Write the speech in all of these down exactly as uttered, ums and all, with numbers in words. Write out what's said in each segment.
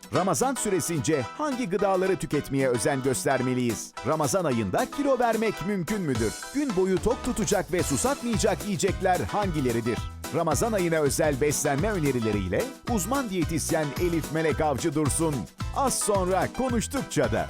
Ramazan süresince hangi gıdaları tüketmeye özen göstermeliyiz? Ramazan ayında kilo vermek mümkün müdür? Gün boyu tok tutacak ve susatmayacak yiyecekler hangileridir? Ramazan ayına özel beslenme önerileriyle uzman diyetisyen Elif Melek Avcı Dursun. Az sonra konuştukça da.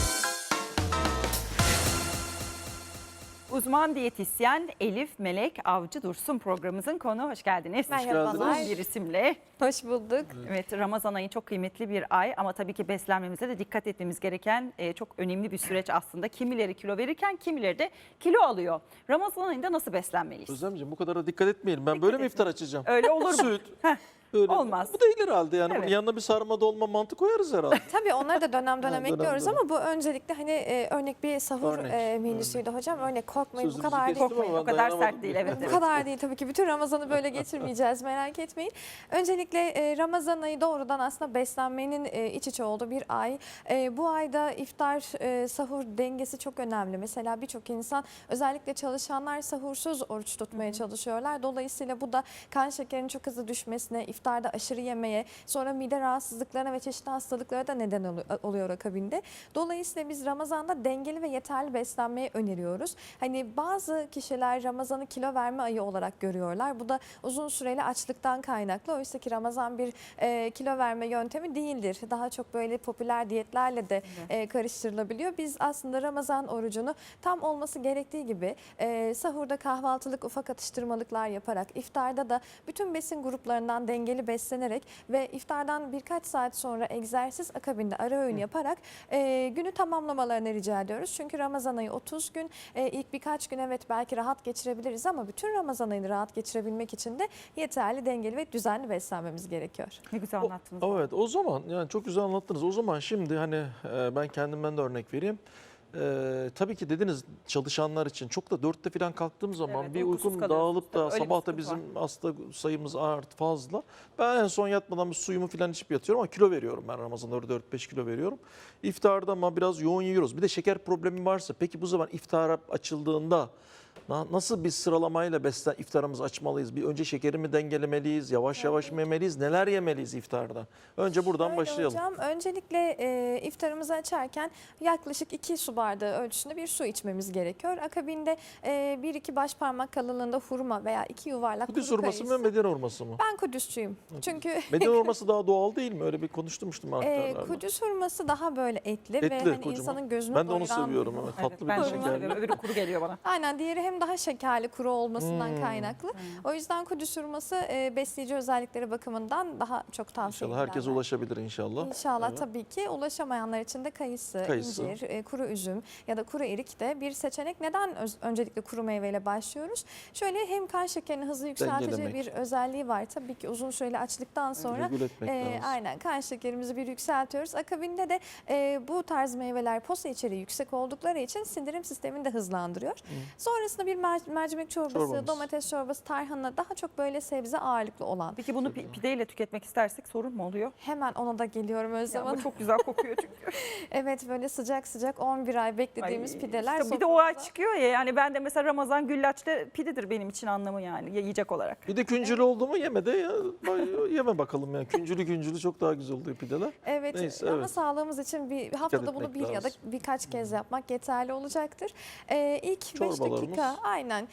Uzman diyetisyen Elif Melek Avcı Dursun programımızın konu. Hoş geldiniz. Merhabalar. Uzun bir isimle. Hoş bulduk. Evet, Ramazan ayı çok kıymetli bir ay ama tabii ki beslenmemize de dikkat etmemiz gereken e, çok önemli bir süreç aslında. Kimileri kilo verirken kimileri de kilo alıyor. Ramazan ayında nasıl beslenmeliyiz? Özlemciğim bu kadar da dikkat etmeyelim. Ben Dikkat böyle mi etmeyin. iftar açacağım? Öyle olur mu? Süt. Heh, Öyle. Olmaz. Bu değil herhalde yani. Evet. Bunun yanına bir sarma dolma mantı koyarız herhalde. Tabii onları da dönem dönem Ha, dönem ekliyoruz dönem. ama bu öncelikle hani e, örnek bir sahur Örnek, e, menüsüydü hocam. Örnek korkmayın bu Sözünüzü kadar değil. kestim Korkmayın, ama o ben kadar dayanamadım. sert değil, evet, Bu evet. kadar değil tabii ki. Bütün Ramazan'ı böyle geçirmeyeceğiz, merak etmeyin. Öncelikle e, Ramazan ayı doğrudan aslında beslenmenin e, iç içe olduğu bir ay. E, bu ayda iftar, e, sahur dengesi çok önemli. Mesela birçok insan, özellikle çalışanlar sahursuz oruç tutmaya çalışıyorlar. Dolayısıyla bu da kan şekerinin çok hızlı düşmesine, iftarda aşırı yemeye, sonra mide rahatsızlıklarına ve çeşitli hastalıklara da neden oluyor akabinde. Dolayısıyla biz Ramazan'da dengeli ve yeterli beslenmeyi öneriyoruz. Hani bazı kişiler Ramazan'ı kilo verme ayı olarak görüyorlar. Bu da uzun süreli açlıktan kaynaklı. Oysa ki Ramazan bir e, kilo verme yöntemi değildir. Daha çok böyle popüler diyetlerle de e, karıştırılabiliyor. Biz aslında Ramazan orucunu tam olması gerektiği gibi e, sahurda kahvaltılık ufak atıştırmalıklar yaparak, iftarda da bütün besin gruplarından dengeli beslenerek ve iftardan birkaç saat sonra egzersiz akabinde ara öğün yaparak e, günü tamamlamalarını rica ediyoruz. Çünkü Ramazan ayı otuz gün, e, ilk birkaç gün evet belki rahat geçirebiliriz ama bütün Ramazan ayını rahat geçirebilmek için de yeterli, dengeli ve düzenli beslenmemiz gerekiyor. Ne güzel O- anlattınız. Evet o zaman yani çok güzel anlattınız. O zaman şimdi hani e, ben kendimden de örnek vereyim. Ee, tabii ki dediniz çalışanlar için çok da dörtte falan kalktığım zaman Evet, bir uykusuz uykum kalıyorsunuz. dağılıp Tabii, da öyle bir sabah da sıkıntı bizim var. hasta sayımız art fazla. Ben en son yatmadan bir suyumu falan içip yatıyorum ama kilo veriyorum ben Ramazan'da dört beş kilo veriyorum. İftarda ama biraz yoğun yiyoruz. Bir de şeker problemi varsa peki bu zaman iftara açıldığında na- nasıl bir sıralamayla beslen iftarımızı açmalıyız? Bir önce şekeri mi dengelemeliyiz? Yavaş yavaş mı yemeliyiz? Neler yemeliyiz iftarda? Önce buradan Şöyle başlayalım. Hocam, öncelikle e, iftarımızı açarken yaklaşık iki su bardağı ölçüsünde bir su içmemiz gerekiyor. Akabinde e, bir iki baş parmak kalınlığında hurma veya iki yuvarlak Kudüs kuru hurması mı kayısı. Medine hurması mı? Ben Kudüsçüyüm. Çünkü Medine hurması daha doğal değil mi? Öyle bir konuşturmuştum e, aktarlarda. Kudüs hurması daha böyle etli, ve Etli, hani kocaman. insanın gözünü Ben de onu doyuran- seviyorum. Evet, Evet, tatlı ben bir de de onu şekerli. seviyorum. Öbürü kuru geliyor bana. Aynen, diğeri hem daha şekerli, kuru olmasından Hmm. kaynaklı. O yüzden Kudüs hurması e, besleyici özellikleri bakımından daha çok tavsiye İnşallah herkese edilenler. ulaşabilir inşallah. İnşallah Evet. tabii ki. Ulaşamayanlar için de kayısı, Kayısı. incir, e, kuru üzüm ya da kuru erik de bir seçenek. Neden öz- öncelikle kuru meyveyle başlıyoruz? Şöyle, hem kan şekerini hızlı yükseltici Dengelemek. bir özelliği var. Tabii ki uzun süreli açlıktan sonra Regüle etmek e, lazım. aynen kan şekerimizi bir yükseltiyoruz. Akabinde de e, bu tarz meyveler posa içeriği yüksek oldukları için sindirim sistemini de hızlandırıyor. Sonrasında bir mer- mercimek çorbası, Çorbamız. domates çorbası, tarhana, daha çok böyle sebze ağırlıklı olan. Peki bunu pi- pideyle tüketmek istersek sorun mu oluyor? Hemen ona da geliyorum Ya, Özlem ama Hanım. çok güzel kokuyor çünkü. Evet, böyle sıcak sıcak on bir ay beklediğimiz Ay, pideler. işte bir de o ay soframıza- çıkıyor ya, yani ben de mesela Ramazan güllaçta pidedir benim için anlamı, yani yiyecek olarak. Bir de küncülü oldu mu yeme de ya. Bay- Yeme bakalım yani. Küncülü küncülü çok daha güzel oluyor pideler. Evet, Neyse, ama evet. sağlığımız için bir haftada etmek bunu bir ya da lazım. birkaç kez yapmak yeterli olacaktır. Ee, ilk beş Çorbalarımız. dakika aynen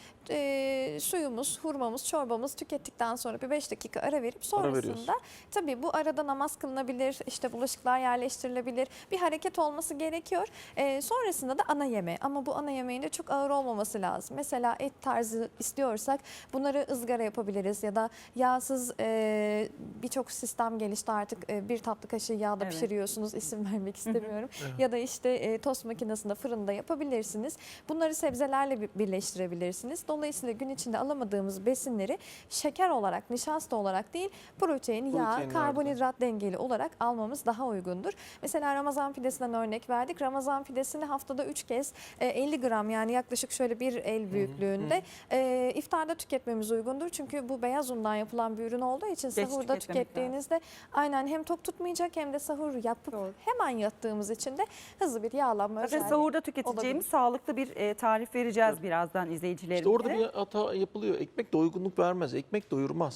e, suyumuz, hurmamız, çorbamız tükettikten sonra bir beş dakika ara verip Ara veriyoruz. sonrasında tabii bu arada namaz kılınabilir, işte bulaşıklar yerleştirilebilir, bir hareket olması gerekiyor. Ee, sonrasında da ana yeme, ama bu ana yemeğin de çok ağır olmaması lazım. Mesela et tarzı istiyorsak bunları ızgara yapabiliriz ya da yağsız, e, birçok sistem gelişti artık. E, bir tatlı kaşığı yağda Evet. pişiriyorsunuz, isim vermek istemiyorum. Evet. Ya da işte e, tost makinesinde, fırında yapabilirsiniz. Bunları sebzelerle bir- birleştirebilirsiniz. Dolayısıyla gün içinde alamadığımız besinleri şeker olarak, nişasta olarak değil, protein, yağ, Proteinlerden. karbonhidrat dengeli olarak almamız daha uygundur. Mesela Ramazan pidesinden örnek verdik. Ramazan pidesini haftada üç kez e, elli gram, yani yaklaşık şöyle bir el büyüklüğünde e, iftarda tüketmemiz uygundur. Çünkü bu beyaz undan yapılan bir ürün olduğu için Geç sahurda tüketmemek tükettiğinizde aynen hem tok tutmayacak hem de sahur yapıp Doğru. hemen yattığımız için de hızlı bir yağlanma Zaten özelliği. sahurda tüketeceğimiz sağlıklı bir e, tarif vereceğiz birazdan izleyicilerimize. İşte orada bir hata yapılıyor. Ekmek doygunluk vermez. Ekmek doyurmaz.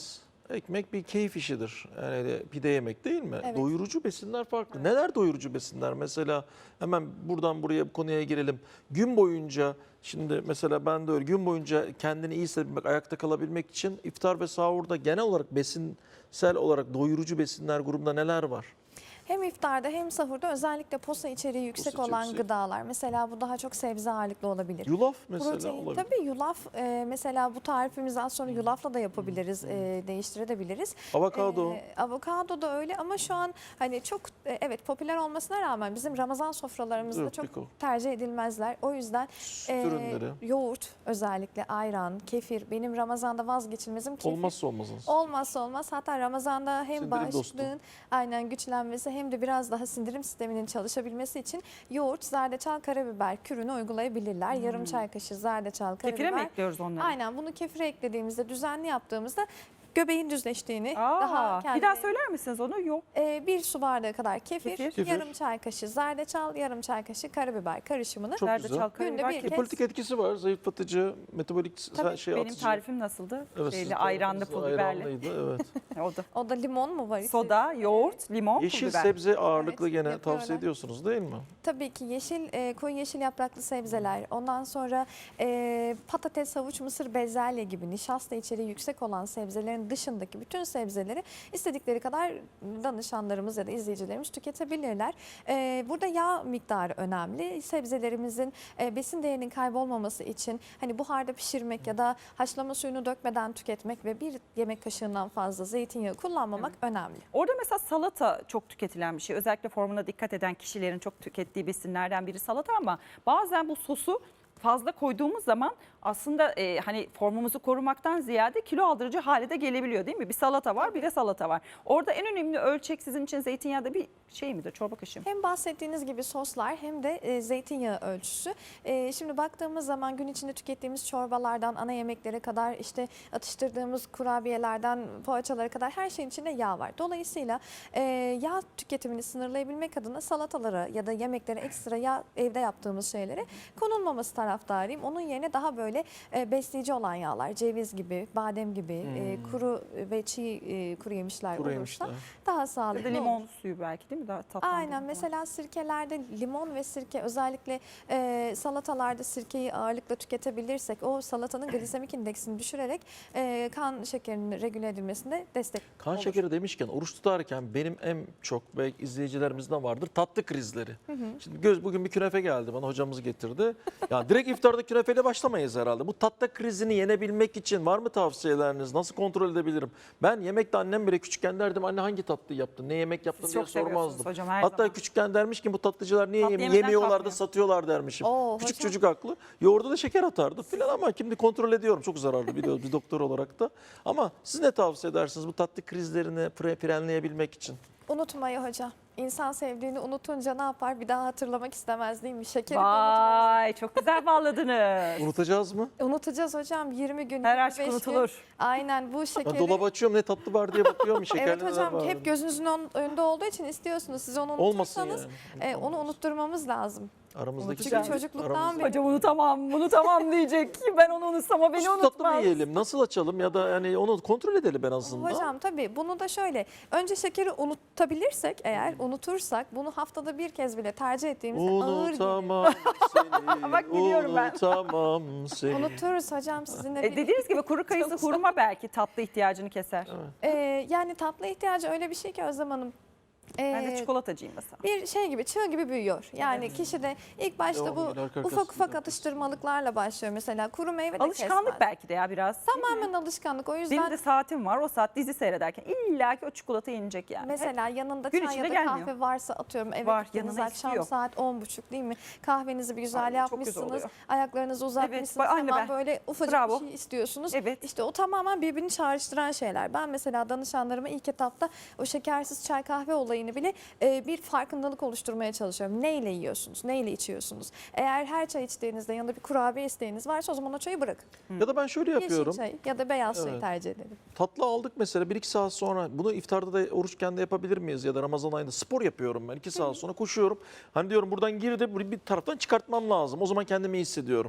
Ekmek bir keyif işidir. Yani pide yemek değil mi? Evet. Doyurucu besinler farklı. Neler doyurucu besinler? Mesela hemen buradan buraya bu konuya girelim. Gün boyunca şimdi mesela ben de öyle gün boyunca kendini iyi hissetmek, ayakta kalabilmek için iftar ve sahurda genel olarak besinsel olarak doyurucu besinler grubunda neler var? Hem iftarda hem sahurda özellikle posa içeriği yüksek Posa olan yüksek. gıdalar. Mesela bu daha çok sebze ağırlıklı olabilir. Yulaf mesela Protein, olabilir. tabii yulaf e, mesela bu tarifimizi az sonra yulafla da yapabiliriz, e, değiştirebiliriz. Avokado. E, avokado da öyle ama şu an hani çok e, evet popüler olmasına rağmen bizim Ramazan sofralarımızda Evet, çok Biko. tercih edilmezler. O yüzden Süt e, ürünleri. yoğurt özellikle ayran, kefir benim Ramazan'da vazgeçilmezim kefir. Olmazsa olmazınız. Olmazsa olmaz. Hatta Ramazan'da hem Sindirim bağışıklığın dostu. aynen güçlenmesi hem de biraz daha sindirim sisteminin çalışabilmesi için yoğurt, zerdeçal, karabiber kürünü uygulayabilirler. Yarım çay kaşığı zerdeçal, karabiber. Kefire mi ekliyoruz onları? Aynen bunu kefire eklediğimizde, düzenli yaptığımızda göbeğin düzleştiğini Aa, daha bir kendine- daha söyler misiniz onu? Yok. Ee, bir su bardağı kadar kefir, Kefir. Kefir. yarım çay kaşığı zerdeçal, yarım çay kaşığı karabiber karışımını Çok Zerdeçal, güzel. karabiber, Günde bir kefir. kez- Politik etkisi var. Zayıflatıcı, metabolik Tabii, şey Benim atıcı. tarifim nasıldı? Evet, Şeyli, sizin ayranlı, tarifinizde pul biberli. ayranlıydı, evet. O da. o da limon mu var? Soda, yoğurt, limon, pul Yeşil biber. sebze ağırlıklı Evet, gene yapıyorlar. tavsiye ediyorsunuz değil mi? Tabii ki yeşil, e, koyu yeşil yapraklı sebzeler, ondan sonra e, patates, havuç, mısır, bezelye gibi nişasta içeriği yüksek olan sebzelerin dışındaki bütün sebzeleri istedikleri kadar danışanlarımız ya da izleyicilerimiz tüketebilirler. E, burada yağ miktarı önemli. Sebzelerimizin e, besin değerinin kaybolmaması için hani buharda pişirmek ya da haşlama suyunu dökmeden tüketmek ve bir yemek kaşığından fazla zeytinyağı kullanmamak önemli. Orada mesela salata çok tüketilen bir şey. Özellikle formuna dikkat eden kişilerin çok tükettiği besinlerden biri salata ama bazen bu sosu fazla koyduğumuz zaman aslında e, hani formumuzu korumaktan ziyade kilo aldırıcı hale de gelebiliyor değil mi? Bir salata var, bir de salata var. Orada en önemli ölçek sizin için zeytinyağı da bir şey midir? Çorba kaşığı mı? Hem bahsettiğiniz gibi soslar hem de e, zeytinyağı ölçüsü. E, şimdi baktığımız zaman gün içinde tükettiğimiz çorbalardan ana yemeklere kadar işte atıştırdığımız kurabiyelerden poğaçalara kadar her şeyin içinde yağ var. Dolayısıyla e, yağ tüketimini sınırlayabilmek adına salatalara ya da yemeklere ekstra yağ evde yaptığımız şeylere konulmaması taraftarıyım. Onun yerine daha böyle e, besleyici olan yağlar, ceviz gibi, badem gibi, e, kuru ve çiğ e, kuru yemişler Kuru olursa yemişler. daha Ya da sağlıklı olur. limon suyu belki değil mi? Daha tatlandırıcı Aynen falan. mesela sirkelerde limon ve sirke özellikle e, salatalarda sirkeyi ağırlıkla tüketebilirsek o salatanın glisemik indeksini düşürerek e, kan şekerinin regüle edilmesinde destek Kan olur. şekeri demişken oruç tutarken benim en çok belki izleyicilerimizden vardır tatlı krizleri. Şimdi göz bugün bir künefe geldi bana hocamız getirdi. Ya direkt iftarda künefeyle başlamayız herhalde. Bu tatlı krizini yenebilmek için var mı tavsiyeleriniz? Nasıl kontrol edebilirim? Ben yemekte annem bile küçükken derdim anne hangi tatlıyı yaptın? Ne yemek yaptın Siz diye çok seviyorsunuz sormazdım. hocam her Hatta zaman. küçükken dermiş ki bu tatlıcılar niye Tatlı yeme- yemeden yemiyorlar da kalkmıyor. satıyorlar dermişim. Oo, Küçük hocam. çocuk haklı. Yoğurda da şeker atardı filan ama şimdi kontrol ediyorum. Çok zararlı biliyoruz bir doktor olarak da. Ama siz ne tavsiye edersiniz bu tatlı krizlerini fre- frenleyebilmek için? Unutmayı hocam. İnsan sevdiğini unutunca ne yapar? Bir daha hatırlamak istemez değil mi? Şekeri de unutmaz. Vay çok güzel bağladınız. Unutacağız mı? Unutacağız hocam yirmi gün. Her aşk yirmi beş gün. unutulur. Aynen bu Ben şekeri. dolabı açıyorum ne tatlı var diye bakıyorum. Şekerli Evet neler hocam var. hep gözünüzün ön- önünde olduğu için istiyorsunuz. Siz onu Olmasın unutursanız yani. e, onu unutturmamız lazım. Aramızdaki Çünkü sevgi, çocukluktan aramızda- beri- Hocam unutamam, unutamam diyecek. Ben onu unutsam o beni Süt tatlı mı unutmaz. yiyelim? Nasıl açalım ya da yani onu kontrol edelim en azından. Hocam tabii bunu da şöyle önce şekeri unutabilirsek eğer unutursak bunu haftada bir kez bile tercih ettiğimizde ağır gelir. Unutamam seni. Bak biliyorum ben. Unutamam seni. Unuturuz hocam sizinle E, birlikte. dediğiniz gibi kuru kayısı hurma belki tatlı ihtiyacını keser. Ee, yani tatlı ihtiyacı öyle bir şey ki Özlem Hanım. Ben de Ee, çikolatacıyım mesela. bir şey gibi çığ gibi büyüyor. Yani kişi de ilk başta Devam bu ediyor, arka ufak arkasına ufak yapıyorsun. atıştırmalıklarla başlıyor mesela kuru meyve de Alışkanlık kesmez. belki de ya biraz. değil mi? Tamamen alışkanlık o Benim yüzden de saatim var. O saat dizi seyrederken illa ki o çikolata yenecek yani. mesela yanında gün çay ya içinde da gelmiyor. kahve varsa atıyorum eve Var, gittiniz yanına akşam istiyor. saat on buçuk değil mi? Kahvenizi bir güzel Ay, çok güzel yapmışsınız. oluyor. Ayaklarınızı uzatmışsınız. bak, aynı Hemen ben. böyle ufacık Bravo. bir şey istiyorsunuz. Evet. İşte o tamamen birbirini çağrıştıran şeyler. Ben mesela danışanlarıma ilk etapta o şekersiz çay kahve olayını bile e, bir farkındalık oluşturmaya çalışıyorum. Neyle yiyorsunuz? Neyle içiyorsunuz? Eğer her çay içtiğinizde yanında bir kurabiye isteğiniz varsa o zaman o çayı bırakın. Ya da ben şöyle yapıyorum. Yeşil çay ya da beyaz çayı Evet. tercih edelim. Tatlı aldık mesela bir iki saat sonra bunu iftarda da oruçken de yapabilir miyiz ya da Ramazan ayında spor yapıyorum ben iki saat sonra koşuyorum. Hani diyorum buradan girdi bir taraftan çıkartmam lazım o zaman kendimi iyi hissediyorum.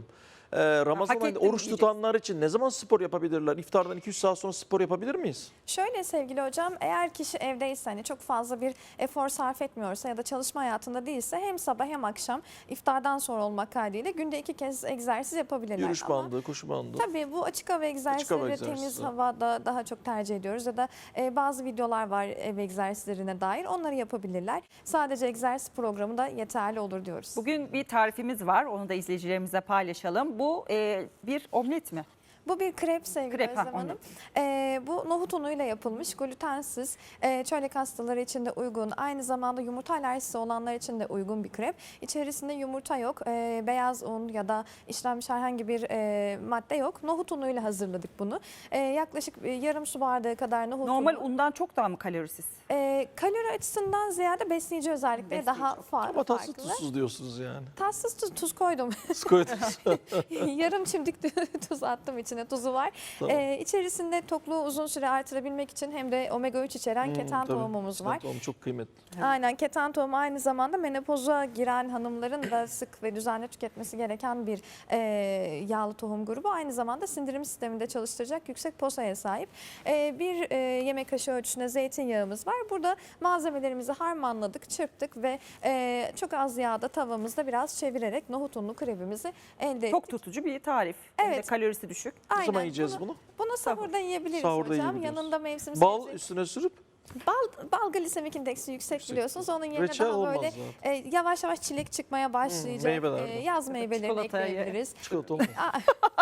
Ee, Ramazan hak ayında ettim oruç diyeceksin. tutanlar için ne zaman spor yapabilirler? İftardan iki üç saat sonra spor yapabilir miyiz? Şöyle sevgili hocam, eğer kişi evdeyse, hani çok fazla bir efor sarf etmiyorsa ya da çalışma hayatında değilse, hem sabah hem akşam iftardan sonra olmak kaydıyla günde iki kez egzersiz yapabilirler. Yürüyüş Ama bandı, koşu bandı. tabii bu açık hava egzersizleri hava ve egzersizi. temiz havada daha çok tercih ediyoruz. Ya da e, bazı videolar var ev egzersizlerine dair, onları yapabilirler. Sadece egzersiz programı da yeterli olur diyoruz. Bugün bir tarifimiz var. Onu da izleyicilerimize paylaşalım. Bu e, bir omlet mi? Bu bir krep sevgili Krep, ha, Özlem Hanım. omlet. Ee, bu nohut unuyla yapılmış, glutensiz, e, çölyak hastaları için de uygun. Aynı zamanda yumurta alerjisi olanlar için de uygun bir krep. İçerisinde yumurta yok, e, beyaz un ya da işlenmiş herhangi bir e, madde yok. Nohut unuyla hazırladık bunu. E, yaklaşık e, yarım su bardağı kadar nohut Normal unu. undan çok daha mı kalorisiz? E, kalori açısından ziyade besleyici özellikleri Besleyici. daha fa- Ama tatsız farklı. tuzsuz diyorsunuz yani. Tatsız tuz, tuz koydum. Siz koydunuz. Yarım çimdik tuz attım, içine tuzu var. Tamam. Ee, içerisinde tokluğu uzun süre artırabilmek için hem de omega üç içeren Hmm, keten tabii. tohumumuz var. Tohum çok kıymetli. Aynen, keten tohumu aynı zamanda menopoza giren hanımların da sık ve düzenli tüketmesi gereken bir e, yağlı tohum grubu. Aynı zamanda sindirim sisteminde çalıştıracak yüksek posaya sahip. E, bir e, yemek kaşığı ölçüsünde zeytinyağımız var. Burada malzemelerimizi harmanladık, çırptık ve e, çok az yağda tavamızda biraz çevirerek nohut unlu krebimizi elde Çok ettik. tutucu bir tarif. Hem de Evet. kalorisi düşük. Ne Aynen, zaman yiyeceğiz bunu? bunu? Bunu sahurda yiyebiliriz Sahurda hocam. yiyebiliriz. Yanında mevsim Bal sebze- üstüne sürüp Bal, bal glisemik indeksi yüksek, Yüksek. biliyorsunuz. Onun yerine reçel daha olmaz böyle zaten. e, yavaş yavaş çilek çıkmaya başlayacak. meyvelerden. e, yaz meyvelerini çikolatayı. ekleyebiliriz. Çikolata olmaz. Aa,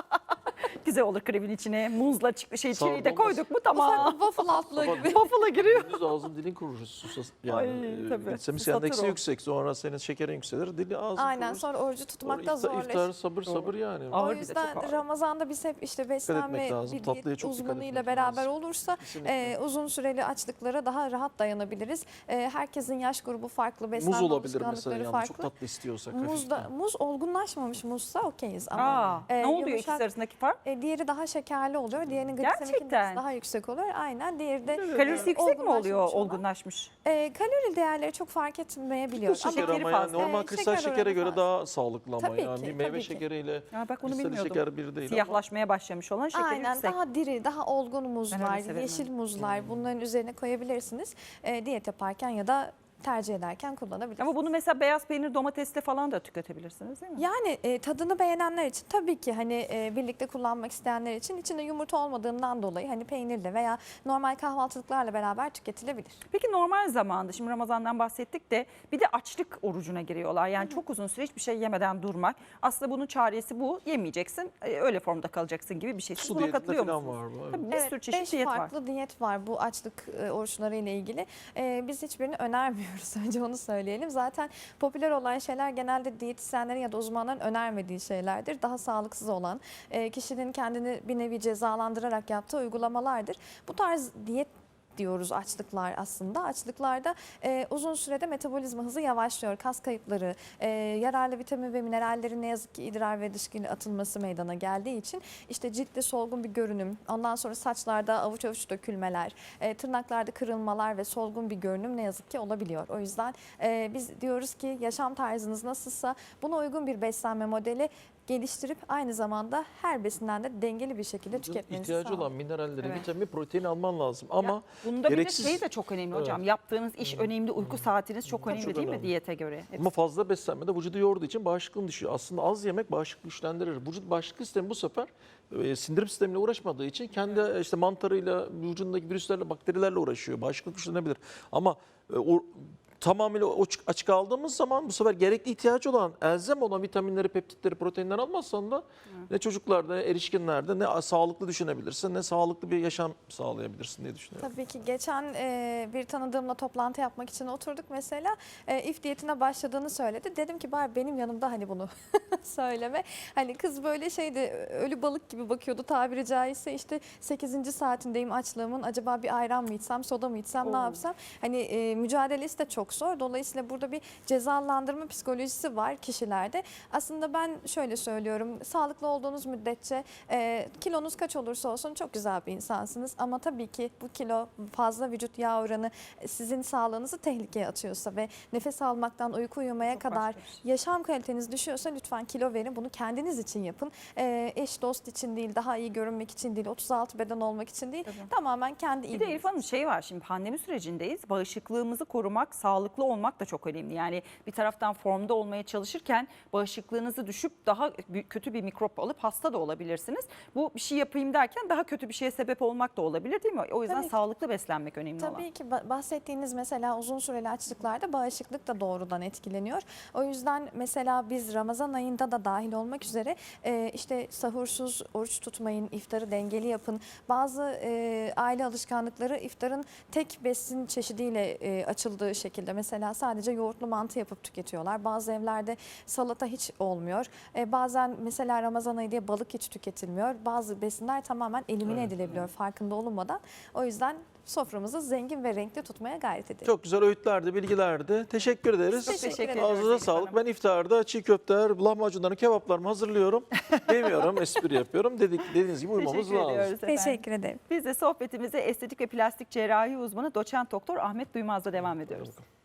Güzel olur krebin içine. Muzla çık şey Sağ ol, çileği de olmaz. koyduk mu ufak tamam. bir waffle altlığı Ama gibi. Waffle'a giriyor. Gündüz ağzın dilin kurur. Susas, yani Ay, e, tabii. glisemik Susatır endeksi o. yüksek. Sonra senin şekerin yükselir. Dili ağzın Aynen, kurur. sonra orucu tutmakta Sonra iftar, zorlaşır. iftar sabır sabır yani. Ağır O bir de, yüzden çok ağır. Ramazan'da biz hep işte beslenme etmek lazım. bir Tatlıya diyet çok dikkat uzmanıyla etmek beraber lazım. olursa Kesinlikle. e, uzun süreli açlıklara daha rahat dayanabiliriz. E, herkesin yaş grubu farklı, beslenme Muz olabilir mesela. alışkanlıkları Yani çok farklı. tatlı istiyorsak. Muzda, hafiften. muz olgunlaşmamış muzsa okeyiz ama Aa, e, ne oluyor yumuşak- ikisi arasındaki fark? E, diğeri daha şekerli oluyor. Diğerinin glisemik Gerçekten. indeksi daha yüksek oluyor. Aynen. Diğeri de Kalorisi e, yüksek mi oluyor olgunlaşmamış olan. olgunlaşmış? E, kalori değerleri çok fark etmeyebiliyor. Şeker şekeri ama yani fazla. normal Ee, kristal şeker şekere oranı göre fazla. daha sağlıklı ama Tabii yani ki, bir meyve tabii ki. şekeriyle Ya bak bunu kristal bilmiyordum. şeker bir değil ama. Siyahlaşmaya başlamış olan şekeri Aynen, yüksek. daha diri, daha olgun Ben muzlar, öyle severim, yeşil evet. muzlar, bunların üzerine koyabilirsiniz. E, diyet yaparken ya da tercih ederken kullanabilirsiniz. Ama bunu mesela beyaz peynir domatesle falan da tüketebilirsiniz değil mi? Yani e, tadını beğenenler için tabii ki, hani e, birlikte kullanmak isteyenler için içinde yumurta olmadığından dolayı hani peynirle veya normal kahvaltılıklarla beraber tüketilebilir. Peki normal zamanda, şimdi Ramazan'dan bahsettik de bir de açlık orucuna giriyorlar. Yani çok uzun süre hiçbir şey yemeden durmak. Aslında bunun çaresi bu. Yemeyeceksin, e, öyle formda kalacaksın gibi bir şey. Siz Su buna diyetinde katılıyor falan musunuz? var bu. evet. Tabii bir Evet, sürü çeşit beş diyet var. farklı diyet var bu açlık e, oruçları ile ilgili. E, biz hiçbirini önermiyoruz, önce onu söyleyelim. Zaten popüler olan şeyler genelde diyetisyenlerin ya da uzmanların önermediği şeylerdir. Daha sağlıksız olan, e, kişinin kendini bir nevi cezalandırarak yaptığı uygulamalardır. Bu tarz diyet diyoruz açlıklar aslında. Açlıklarda e, uzun sürede metabolizma hızı yavaşlıyor. Kas kayıpları, e, yararlı vitamin ve minerallerin ne yazık ki idrar ve dışkıyla atılması meydana geldiği için işte ciltte solgun bir görünüm, ondan sonra saçlarda avuç avuç dökülmeler, e, tırnaklarda kırılmalar ve solgun bir görünüm ne yazık ki olabiliyor. O yüzden e, biz diyoruz ki yaşam tarzınız nasılsa buna uygun bir beslenme modeli geliştirip aynı zamanda her besinden de dengeli bir şekilde Vücudun tüketmenizi ihtiyacı sağlıyor. olan mineralleri, Evet. vitamin, protein alman lazım. Ama Ya, bunda gereksiz- bir de şey de çok önemli hocam. Evet. Yaptığınız iş önemli, uyku saatiniz çok önemli Çok değil mi önemli. diyete göre? ama fazla beslenmede vücudu yorduğu için bağışıklığın düşüyor. Aslında az yemek bağışıklığı güçlendirir. Vücut bağışıklık sistemi bu sefer e, sindirim sistemiyle uğraşmadığı için kendi işte mantarıyla, vücudundaki virüslerle, bakterilerle uğraşıyor. Bağışıklık güçlenebilir. Ama e, o tamamıyla o- açık aldığımız zaman bu sefer gerekli ihtiyacı olan, elzem olan vitaminleri, peptitleri, proteinleri almazsan da ne çocuklarda, ne erişkinlerde ne sağlıklı düşünebilirsin, ne sağlıklı bir yaşam sağlayabilirsin diye düşünüyorum. Tabii ki geçen e, bir tanıdığımla toplantı yapmak için oturduk mesela. E, if diyetine başladığını söyledi. Dedim ki bari benim yanımda hani bunu söyleme. Hani kız böyle şeydi, ölü balık gibi bakıyordu tabiri caizse. İşte sekizinci saatindeyim açlığımın, acaba bir ayran mı içsem, soda mı içsem, ne Oo. yapsam. Hani e, mücadelesi de çok çok zor. Dolayısıyla burada bir cezalandırma psikolojisi var kişilerde. Aslında ben şöyle söylüyorum, sağlıklı olduğunuz müddetçe e, kilonuz kaç olursa olsun çok güzel bir insansınız. Ama tabii ki bu kilo, fazla vücut yağ oranı sizin sağlığınızı tehlikeye atıyorsa ve nefes almaktan uyku uyumaya Çok kadar başka bir şey. yaşam kaliteniz düşüyorsa lütfen kilo verin. Bunu kendiniz için yapın. E, eş dost için değil, daha iyi görünmek için değil, otuz altı beden olmak için değil. Tabii. Tamamen kendi Bir de iyiliğiniz Elif Hanım şey var, şimdi pandemi sürecindeyiz. Bağışıklığımızı korumak, sağlıklı olmak da çok önemli. Yani bir taraftan formda olmaya çalışırken bağışıklığınızı düşüp daha bü- kötü bir mikrop alıp hasta da olabilirsiniz. Bu bir şey yapayım derken daha kötü bir şeye sebep olmak da olabilir değil mi? O yüzden Tabii ki. sağlıklı beslenmek önemli olan. Tabii ki ba- bahsettiğiniz mesela uzun süreli açlıklarda bağışıklık da doğrudan etkileniyor. O yüzden mesela biz Ramazan ayında da dahil olmak üzere e, işte sahursuz oruç tutmayın, iftarı dengeli yapın. Bazı e, aile alışkanlıkları iftarın tek besin çeşidiyle e, açıldığı şekilde, mesela sadece yoğurtlu mantı yapıp tüketiyorlar. Bazı evlerde salata hiç olmuyor. E, bazen mesela Ramazan ayı diye balık hiç tüketilmiyor. Bazı besinler tamamen elimine Evet. edilebiliyor farkında olunmadan. O yüzden soframızı zengin ve renkli tutmaya gayret edelim. Çok güzel öğütlerdi, bilgilerdi. Teşekkür ederiz. Çok teşekkür ederiz. Ağzınıza Elif sağlık. Hanım. Ben iftarda çiğ köfteler, lahmacunlarını, kebaplarımı hazırlıyorum. Demiyorum, espri yapıyorum. Dedik, dediğiniz gibi uymamız Teşekkür lazım. ediyoruz efendim. Teşekkür ederim. Biz de sohbetimize estetik ve plastik cerrahi uzmanı doçent doktor Ahmet Duymaz'la devam ediyoruz.